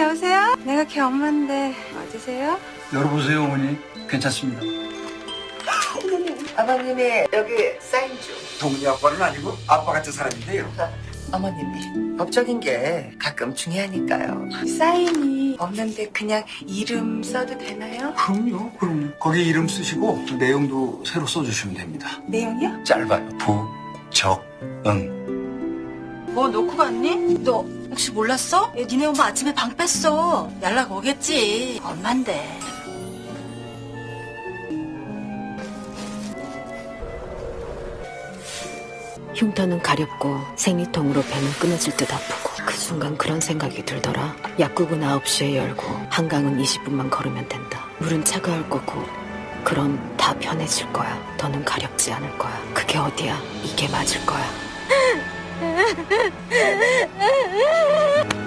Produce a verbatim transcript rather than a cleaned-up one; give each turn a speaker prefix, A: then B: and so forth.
A: 여보세요? 내가 걔 엄마인데 맞으세요?
B: 열어보세요, 어머니. 괜찮습니다.
C: 아버님이 여기 사인 좀.
B: 동네 아빠는 아니고 아빠 같은 사람인데요.
C: 어머님이 법적인 게 가끔 중요하니까요. 사인이 없는데 그냥 이름 써도 되나요?
B: 그럼요, 그럼요. 거기 이름 쓰시고 그 내용도 새로 써주시면 됩니다.
C: 내용이요?
B: 짧아요. 부, 적, 응.
A: 뭐 놓고 갔니? 너 혹시 몰랐어? 얘 니네 엄마 아침에 방 뺐어. 연락 오겠지. 엄만데.
D: 흉터는 가렵고 생리통으로 배는 끊어질 듯 아프고 그 순간 그런 생각이 들더라. 약국은 아홉 시에 열고 한강은 이십 분만 걸으면 된다. 물은 차가울 거고 그럼 다 편해질 거야. 더는 가렵지 않을 거야. 그게 어디야? 이게 맞을 거야.